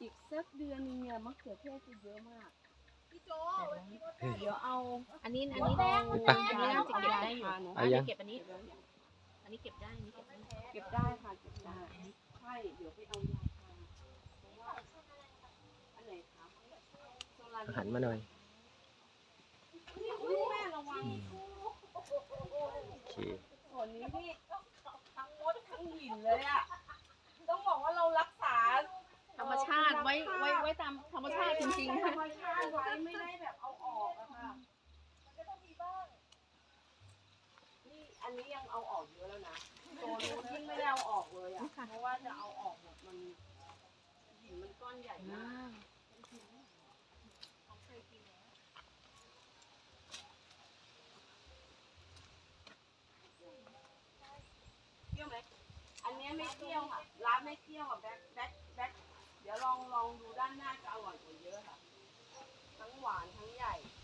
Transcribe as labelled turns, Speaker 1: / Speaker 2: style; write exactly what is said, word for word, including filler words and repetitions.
Speaker 1: อีกสักเดือนนึงเนี่ยมะเขือเทศจะเยอะมากพี่โจเดี๋ยวเอา
Speaker 2: อันนี้อันนี้เราอันนี้น่าจะเก็บได้อยู่อันนี้เก็บอันนี้อันนี้เก็บได้อันนี้เก็บได้
Speaker 1: เก็บได้ค่ะเก็บได้ใช่เดี๋ยวไปเอายาทาเพราะว่าอันไหนคะโซลาร์
Speaker 3: หันมาหน่อย
Speaker 1: อุ๊ยแม่ระวัง
Speaker 3: โอเค
Speaker 1: ส่วนนี้นี่ทั้งมดทั้งหินเลยอ่ะต้องบอกว่าเรารักษา
Speaker 2: ธรรมชาติไว้ไว้ไว้ตามธรรมชาติจริงๆ
Speaker 1: ธร
Speaker 2: ค่ะ
Speaker 1: รมชาติไว้ไม่ได้แบบเอาออกอะค่ะมันก็ต้องมีบ้างนี่อันนี้ยังเอาออกเยอะแล้วนะตัวนู้นยิ่งไม่ได้เอาออกเลยอะเพราะว่าจะเอาออกหมดมันหินมันก้อนใหญ่มากเปรี้ยวไหมอันนี้ไม่เปรี้ยวค่ะร้านไม่เปรี้ยวอ่ะแบ็คแบ็คแบ็คเดี๋ยวลองลองดูด้านหน้าจะอร่อยกว่าเยอะค่ะทั้งหวานทั้งใหญ่